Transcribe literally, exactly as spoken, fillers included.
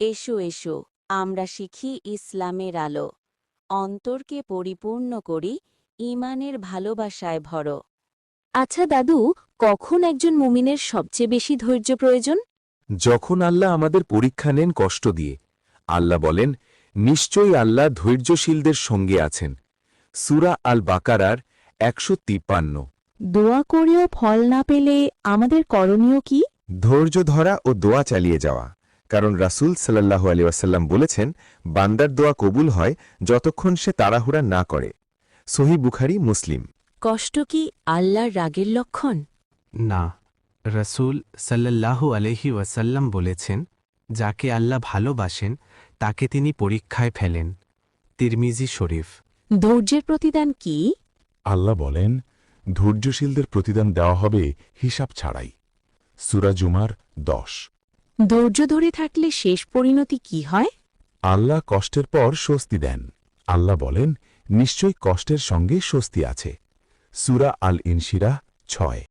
এসো এসো আমরা শিখি ইসলামের আলো অন্তরকে পরিপূর্ণ করি ঈমানের ভালোবাসায় ভরো। আচ্ছা দাদু, কখন একজন মুমিনের সবচেয়ে বেশি ধৈর্য প্রয়োজন? যখন আল্লাহ আমাদের পরীক্ষা নেন কষ্ট দিয়ে। আল্লাহ বলেন, নিশ্চয়ই আল্লাহ ধৈর্যশীলদের সঙ্গে আছেন। সূরা আল বাকারার একশো তিপ্পান্ন। দোয়া করেও ফল না পেলে আমাদের করণীয় কি? ধৈর্য ধরা ও দোয়া চালিয়ে যাওয়া, কারণ রাসূল সাল্লাল্লাহু আলাইহি ওয়াসাল্লাম বলেছেন, বান্দার দোয়া কবুল হয় যতক্ষণ সে তাড়াহুড়া না করে। সহিহ বুখারী, মুসলিম। কষ্ট কি আল্লাহর রাগের লক্ষণ? না, রসুল সাল্লাল্লাহু আলহি ওয়াসাল্লাম বলেছেন, যাকে আল্লাহ ভালোবাসেন তাকে তিনি পরীক্ষায় ফেলেন। তিরমিজি শরীফ। ধৈর্যের প্রতিদান কি? আল্লাহ বলেন, ধৈর্যশীলদের প্রতিদান দেওয়া হবে হিসাব ছাড়াই। সূরা জুমার দশ। ধৈর্য ধরে থাকলে শেষ পরিণতি কি হয়? আল্লাহ কষ্টের পর স্বস্তি দেন। আল্লাহ বলেন, নিশ্চয়ই কষ্টের সঙ্গে স্বস্তি আছে। সূরা আল ইনশিরাহ ছয়।